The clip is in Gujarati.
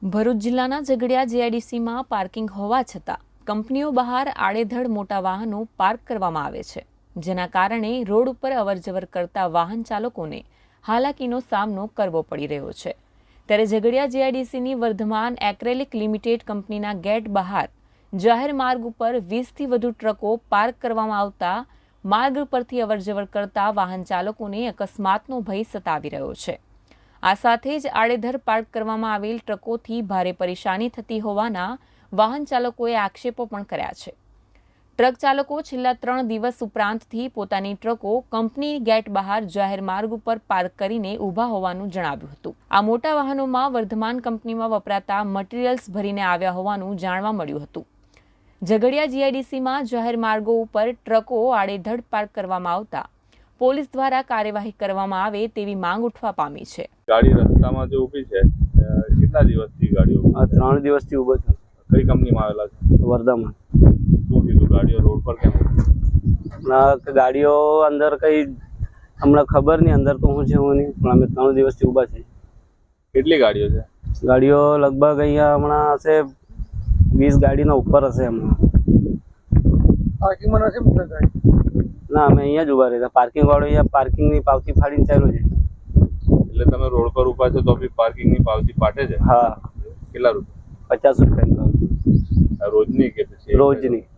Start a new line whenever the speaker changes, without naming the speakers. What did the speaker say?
ભરૂચ જિલ્લાના ઝઘડિયા જીઆઈડીસીમાં પાર્કિંગ હોવા છતાં કંપનીઓ બહાર આડેધડ મોટા વાહનો પાર્ક કરવામાં આવે છે, જેના કારણે રોડ ઉપર અવરજવર કરતા વાહન ચાલકોને હાલાકીનો સામનો કરવો પડી રહ્યો છે। ત્યારે ઝઘડિયા જીઆઈડીસીની વર્ધમાન એક્રેલિક લિમિટેડ કંપનીના ગેટ બહાર જાહેર માર્ગ ઉપર 20થી વધુ ટ્રકો પાર્ક કરવામાં આવતા માર્ગ પરથી અવરજવર કરતા વાહન ચાલકોને અકસ્માતનો ભય સતાવી રહ્યો છે। આ સાથે જ આડેધડ પાર્ક કરવામાં આવેલ ટ્રકોથી ભારે પરેશાની થતી હોવાના વાહન ચાલકોએ આક્ષેપો પણ કર્યા છે। ટ્રક ચાલકો છેલ્લા 3 દિવસ ઉપરાંતથી પોતાની ટ્રકો કંપની ગેટ બહાર જાહેર માર્ગ ઉપર પાર્ક કરીને ઊભા હોવાનું જણાવ્યું હતું। આ મોટા વાહનોમાં વર્ધમાન કંપનીમાં વપરાતા મટીરીયલ્સ ભરીને આવ્યા હોવાનું જાણવા મળ્યું હતું। ઝઘડિયા જીઆઈડીસીમાં જાહેર માર્ગો ઉપર ટ્રકો આડેધડ પાર્ક કરવામાં આવતા પોલીસ દ્વારા કાર્યવાહી કરવામાં આવે તેવી માંગ ઉઠવા પામી છે।
ગાડી રસ્તામાં જો ઊભી છે, કેટલા દિવસથી ગાડીઓ?
3 દિવસથી ઊભો છું।
કઈ કંપનીમાં આવેલા છે?
વર્ધામાં।
શું કીધું ગાડીઓ રોડ પર કેમ?
ગાડીઓ અંદર કઈ હમણાં ખબર નહીં, અંદર તો હું છે હું નહીં, પણ અમે 3 દિવસથી ઊભા છે।
કેટલી ગાડીઓ છે?
ગાડીઓ લગભગ અહીંયા હમણાં હશે 20 ગાડીના ઉપર હશે હમણાં।
પાર્કિંગમાં નથી મૂકતા ગાડી?
ના, અમે અહીંયા જ ઊભા રહેતા। પાર્કિંગ વાળો અહીંયા પાર્કિંગની પાવતી ફાડીને ચાલ્યો છે।
એટલે તમે રોડ પર ઊભા છો તો બી પાર્કિંગની પાવતી પાટે છે?
હા।
કેટલા રૂપિયા?
50 રૂપિયા
રોજની કે પછી?
રોજની।